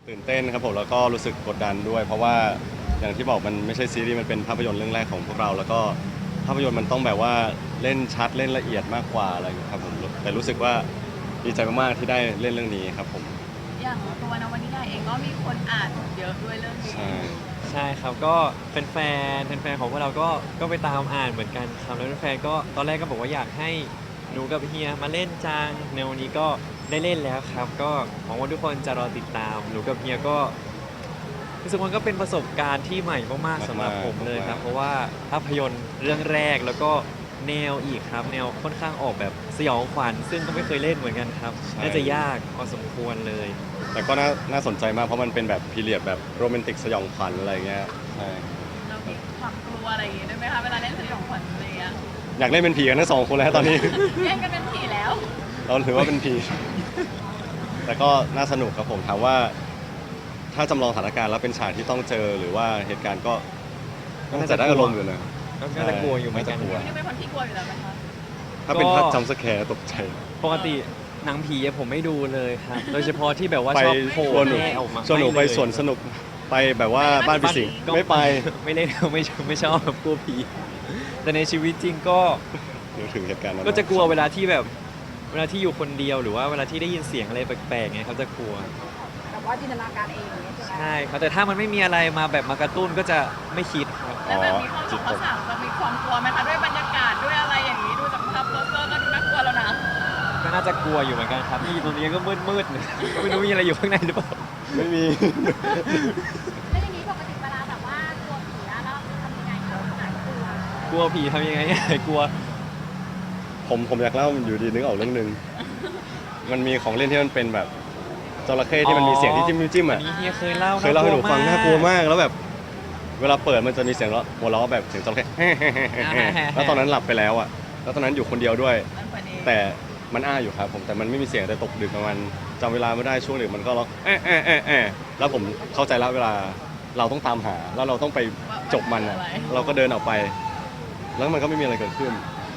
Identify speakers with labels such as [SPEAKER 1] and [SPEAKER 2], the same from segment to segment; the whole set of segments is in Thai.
[SPEAKER 1] ตื่นเต้นครับผมแล้วก็รู้สึกกดดันด้วยเพราะว่าอย่างที่บอกมันไม่ใช่ซีรีส์มันเป็นภาพยนตร์เรื่องแรกของพวกเราแล้วก็ภาพยนตร์มันต้องแบบว่าเล่นชัดเล่นละเอียดมากกว่าอะไรอย่างเงี้ยครับผมแต่รู้สึกว่าดีใจมากๆที่ได้เล่นเรื่องนี้ครับผม
[SPEAKER 2] อย่างตัวนวนิยายเองก็มีคนอ่านเยอะด้วยเรื่องนี้
[SPEAKER 1] ใช่
[SPEAKER 3] ใช่ครับก็แฟนของพวกเราก็ไปตามอ่านเหมือนกันครับแล้วแฟนๆก็ตอนแรกก็บอกว่าอยากให้หนูกับเฮียมาเล่นจังในวันนี้ก็ได้เล่นแล้วครับก็หวังว่าทุกคนจะรอติดตามหนูกับเฮียก็รู้สึกว่าก็เป็นประสบการณ์ที่ใหม่มากๆสำหรับผมเลยครับเพราะว่าภาพยนตร์เรื่องแรกแล้วก็แนวอีกครับแนวค่อนข้างออกแบบสยองขวัญซึ่งก็ไม่เคยเล่นเหมือนกันครับน่าจะยากพอสมควรเลย
[SPEAKER 1] แต่ก็น่าสนใจมากเพราะมันเป็นแบบพีเรียดแบบโรแมนติกสยองขวัญอะไรเงี้ยใช่
[SPEAKER 2] เรามีความกลัวอะไรอย่างงี้ด้วยไหมคะเวลาเล่นสยองขวัญอะไรอย่างเงี้ย
[SPEAKER 1] อยากเล่นเป็นผีกันทั้งสองคนแล้วตอนนี้
[SPEAKER 2] แย่งกันเป็นผีแล้ว
[SPEAKER 1] เราถือว่าเป็นผีแต่ก็น่าสนุกครับผมถามว่าถ้าจำลองสถานการณ์แล้วเป็นฉากที่ต้องเจอหรือว่าเหตุการณ์ก็น่าจะได้อารมณ์อยู่นะ
[SPEAKER 3] ก็น่าจะกลัวอยู่เหมือนกัน
[SPEAKER 1] น่าจะกลัว
[SPEAKER 2] นี่เป็นคนที่กลัวอยู่แล้วไหมคะ
[SPEAKER 1] ถ้าเป็นภาพจำสแคร์ตกใจ
[SPEAKER 3] ปกติหนังผีผมไม่ดูเลยครับ โดยเฉพาะที่แบบว่า
[SPEAKER 1] ไป
[SPEAKER 3] ชอบโผล่
[SPEAKER 1] ชวนหนู
[SPEAKER 3] แม่ออกมา
[SPEAKER 1] ชวนหนูไป
[SPEAKER 3] ม่เลย
[SPEAKER 1] สวนสนุกไปแบบว่าบ้านผีสิงไม่ไป
[SPEAKER 3] ไม่เล่นไม่ชอบแบบกลัวผี แต่ในชีวิตจริงก็
[SPEAKER 1] เดี๋ยวถึงเหตุการณ์นั้น
[SPEAKER 3] ก็จะกลัวเวลาที่แบบเวลาที่อยู่คนเดียวหรือว่าเวลาที่ได้ยินเสียงอะไรแปลกๆไงเขาจะกลัว
[SPEAKER 4] แบบว่าจินตนาการเองอย่างเงี้ยใช่ไหม
[SPEAKER 3] ใช่ครับแต่ถ้ามันไม่มีอะไรมาแบบมากระตุ้นก็จะไม่คิดครับ
[SPEAKER 2] แล้วแบบมีข้อสองข้อสามจะมีความกลัวไหมคะด้วยบรรยากาศด้วยอะไรอย่างนี้ดูจากภาพโปสเตอร์ก็ดูน่ากลัวแล้วนะ
[SPEAKER 3] ก็น่าจะกลัวอยู่เหมือนกันครับที่ตรงนี้ก็มืดๆ ไม่รู้มีอะไรอยู่ข้างในหรือเปล่า
[SPEAKER 1] ไม่มี
[SPEAKER 4] แล้วอย่างนี้ปกติเวลาแบบว่ากลัวผีอะแล้วทำยังไงคะขนาดกลัว
[SPEAKER 3] กลัวผีทำยังไง กลัว
[SPEAKER 1] ผมอยากเล่าอยู่ดีนึกออกเรื่องหนึ่งมันมีของเล่นที่มันเป็นแบบจระเข้ที่มันมีเสียงที่จิ้ม
[SPEAKER 3] อั
[SPEAKER 1] อ่ะ
[SPEAKER 3] นนี้เฮียเคยเล่า
[SPEAKER 1] เคยเล่าให้หนูฟังน่ากลัว
[SPEAKER 3] ก
[SPEAKER 1] มากแล้วแบบ เวลาเปิดมันจะมีเสียงหัวเราะแบบเสียงจระเข้ แล้วตอนนั้นหลับไปแล้วอ่ะแล้วตอนนั้นอยู่คนเดียวด้วย
[SPEAKER 2] นั่นคนนี้
[SPEAKER 1] แต่มันอ้าอยู่ครับผมแต่มันไม่มีเสียงแต่ตกดึกประมาณจำเวลาไม่ได้ช่วงดึกมันก็ร้องแล้วผมเข้าใจแล้วเวลาเราต้องตามหาแล้วเราต้องไปจบมันอ่ะเราก็เดินออกไป แล้วมันก็ไม่มีอะไรเกิดขึ้น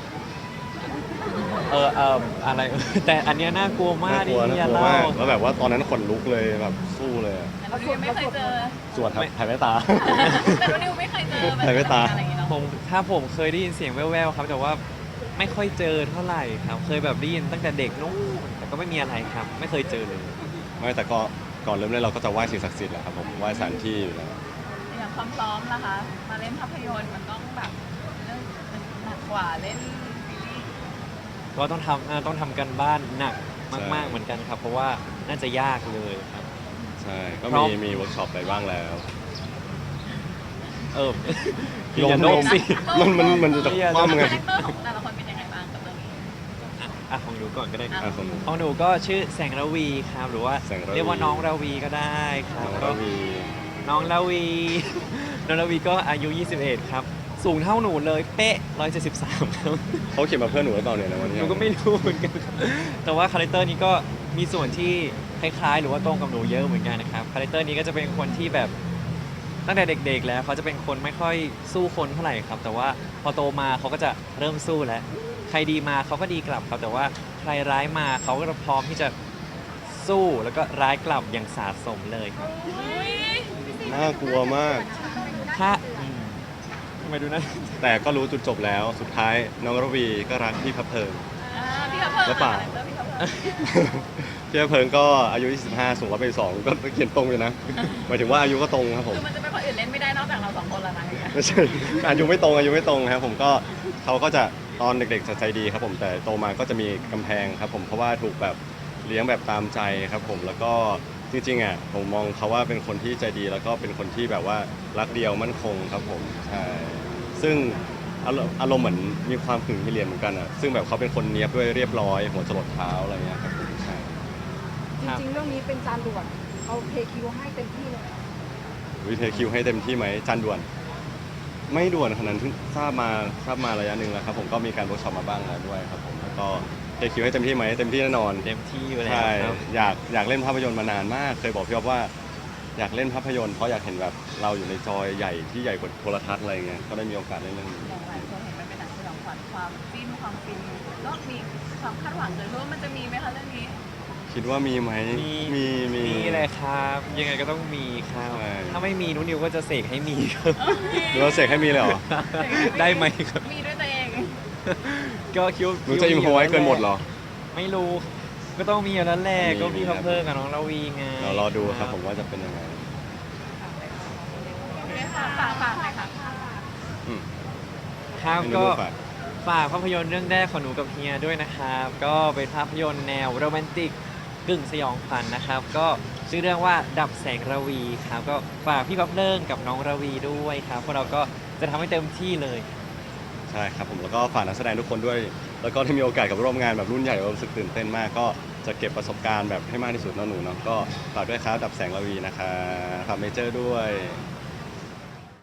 [SPEAKER 3] อะไร แต่อันเนี้ยน่ากลัวมาก
[SPEAKER 1] น่ากลัว
[SPEAKER 3] ที่
[SPEAKER 1] น่า
[SPEAKER 3] เฮีย
[SPEAKER 1] กลัว
[SPEAKER 3] เล่า
[SPEAKER 1] มากแล้วแบบว่าตอนนั้นขนลุกเลยแบบสู้เลยอะ
[SPEAKER 2] แต่เราไม่เคยเจอ
[SPEAKER 1] สวดครับถ่ายแว่นตา
[SPEAKER 2] แต่เรานิวไม่เคยเจอแบบ
[SPEAKER 1] ใส่แว่นตา
[SPEAKER 2] อะไรอย่างเงี้ยเนาะ
[SPEAKER 3] ผมเคยได้ยินเสียงแว่วๆครับแต่ว่าไม่ค่อยเจอเท่าไหร่ครับเคยแบบได้ยินตั้งแต่เด็กนู้นแต่ก็ไม่มีอะไรครับ ไม่เคยเจอเลย
[SPEAKER 1] ไม่แต่ก็ก่อนเริ่มเล่นเราก็จะไหว้สิ่งศักดิ์สิทธิ์แหละครับผมไหว้สถานที่อยู่แล้ว
[SPEAKER 2] อย่างความพร้อมนะคะ มาเล่นภาพยนตร์มันต้องแบบเรื่องหนักกว่าเล่นซีรีส์
[SPEAKER 3] ก็ต้องทำกันบ้านหนักมากๆเหมือนกันครับ เพราะว่าน่าจะยากเลยครับ
[SPEAKER 1] ใช่ก็
[SPEAKER 3] พร้อม
[SPEAKER 1] มีเวิร์กช็อปไปบ้างแล้ว
[SPEAKER 3] เออ
[SPEAKER 1] ลง
[SPEAKER 3] อย่าโน้มสิ
[SPEAKER 1] มันจะคว่ำไง
[SPEAKER 2] คาแรคเตอร์ของแต่ละคนเป็นยังไงบ้างกับเรื่องนี้
[SPEAKER 3] ของหนูก่อนก็ได้ครับ
[SPEAKER 1] อ่ะของหนู
[SPEAKER 3] ของหนูก็ชื่อแสงระวีครับ หรือว่า
[SPEAKER 1] แสงระวี
[SPEAKER 3] เรียกว่าน้องระวีก็ได้ครับ
[SPEAKER 1] น้อง
[SPEAKER 3] ก็
[SPEAKER 1] ระวี
[SPEAKER 3] น้องระวี น้องระวีก็อายุ 21 ครับ สูงเท่าหนูเลยเป๊ะ 173 ครับ
[SPEAKER 1] เขาเขียนมาเพื่อนหนูหรือเปล่าเนี่ยในวัน
[SPEAKER 3] ห
[SPEAKER 1] นี้
[SPEAKER 3] นูก็ไม่รู้เหมือนกันครับแต่ว่าคาแรคเตอร์นี้ก็มีส่วนที่คล้ายๆ หรือว่าตรงกับหนูเยอะเหมือนกันนะครับ คาแรคเตอร์นี้ก็จะเป็นคนที่แบบตั้งแต่เด็กๆ แล้วเขาจะเป็นคนไม่ค่อยสู้คนเท่าไหร่ครับ แต่ว่าพอโตมาเขาก็จะเริ่มสู้แล้ว ใครดีมาเขาก็ดีกลับครับ แต่ว่าใครร้ายมาเขาก็พร้อมที่จะสู้แล้วก็ร้ายกลับอย่างสาสมเลยครับ
[SPEAKER 2] อุ้ย
[SPEAKER 1] น่ากลัวมาก
[SPEAKER 3] ถ้าทำไมดูนะ
[SPEAKER 1] แต่ก็รู้จุดจบแล้วสุดท้ายน้องระวีก็รักพี่พับเพลิง
[SPEAKER 2] พี่เขาเพิ่ม
[SPEAKER 1] แล้วเปล่า
[SPEAKER 2] คาแรคเตอร์พี่เขาเพิ่ม
[SPEAKER 1] พี่พับเพลิงก็อายุ 25 สูงกว่าไป2ก็เขียนตรงอยู่นะหมายถึงว่าอายุก็ตรงครับผม
[SPEAKER 2] คือมันจะเป็นคนอื่นเล่นไม่ได้นอกจากเราสองคนแล้วนะอย่างเงี้ย
[SPEAKER 1] ไม่ใช่ อายุไม่ตรงครับผมก็เขาก็จะตอนเด็กๆจะใจดีครับผมแต่โตมาก็จะมีกำแพงครับผมเพราะว่าถูกแบบเลี้ยงแบบตามใจครับผมแล้วก็จริงๆอ่ะผมมองเขาว่าเป็นคนที่ใจดีแล้วก็เป็นคนที่แบบว่ารักเดียวมั่นคงครับผมใช่ซึ่งอารมณ์เหมือนมีความขึงมิเลียนเหมือนกันอ่ะซึ่งแบบเขาเป็นคนเนี้ยบด้วยเรียบร้อยหัวจรดเท้าอะไรเงี้ยครับผมใช่
[SPEAKER 4] จริงๆเรื่องนี้เป็นจานด่วนเอาเทคิวให้เต็มที่เลย
[SPEAKER 1] วิเทคิวให้เต็มที่ไหมจานด่วน ไม่ด่วนขนาดนั้นเพิ่งทราบมาระยะหนึ่งแล้วครับผมก็มีการเวิร์กช็อปมาบ้างแล้วด้วยครับผมแล้วก็เทคิวให้เต็มที่ไหมเต็มที่แน่นอน
[SPEAKER 3] เต็มที่อยู่แล้ว
[SPEAKER 1] ใช่
[SPEAKER 3] ครับ
[SPEAKER 1] อยากเล่นภาพยนตร์มานานมาก เคยบอกพี่อ๊อฟว่าอยากเล่นภาพยนตร์เพราะอยากเห็นแบบเราอยู่ในจอใหญ่ที่ใหญ่กว่าโทรทัศน์อะไรเงี้ยก็ได้มีโอกาสเล่นเรื่องนี้
[SPEAKER 2] อย่างหลายคนเห็นมันเป็นหนังสยองขวัญความจิ้นความฟินก็มีความคาดหวังเลยว่ามันจะมีไหมคะเรื่องนี้
[SPEAKER 1] คิดว่ามีไหมมี
[SPEAKER 3] มีเลยครับ ยังไงก็ต้องมีครับ
[SPEAKER 1] ใช่
[SPEAKER 3] ถ้าไม่มีนุนิวก็จะเสกให้มีครับ
[SPEAKER 1] หรือว่าเสกให้มีเลยเหรอ
[SPEAKER 3] ได้ไหมครับ
[SPEAKER 2] มีด้วยตัวเอง
[SPEAKER 3] ก็คิว
[SPEAKER 1] หนูจะอิมพอไว้เกินหมดเหรอ
[SPEAKER 3] ไม่รู้ก็ต้องมีอยู่แล้วแหละ
[SPEAKER 1] มี
[SPEAKER 3] ก็พี่
[SPEAKER 1] ครั
[SPEAKER 3] พั
[SPEAKER 1] บ
[SPEAKER 3] พเพอร์กับน้องลาวีไง
[SPEAKER 1] เรารอดูครับผมว่าจะเป็นยังไง
[SPEAKER 2] ฝากหน่อยค่ะ
[SPEAKER 1] อืม
[SPEAKER 3] ครับ
[SPEAKER 1] ให้หนู
[SPEAKER 3] ก็
[SPEAKER 1] ฝาก
[SPEAKER 3] ฝากภาพยนตร์เรื่องแรกของหนูกับเฮียด้วยนะครับ ก็เป็นภาพยนตร์แนวโรแมนติกกึ่งสยองขวัญนะครับ ก็ชื่อเรื่องว่าดับแสงระวีครับ ก็ฝากพี่พัพเลิงกับน้องระวีด้วยครับพวกเราก็จะทำให้เต็มที่เลย
[SPEAKER 1] ใช่ครับผมแล้วก็ฝากนักแสดงทุกคนด้วย แล้วก็ที่มีโอกาสกับร่วมงานแบบรุ่นใหญ่เรารู้สึกตื่นเต้นมาก ก็จะเก็บประสบการณ์แบบให้มากที่สุดเนาะหนูเนาะก็ฝากด้วยครับดับแสงระวีนะคะฝากเมเจอร์ด้วย
[SPEAKER 2] ข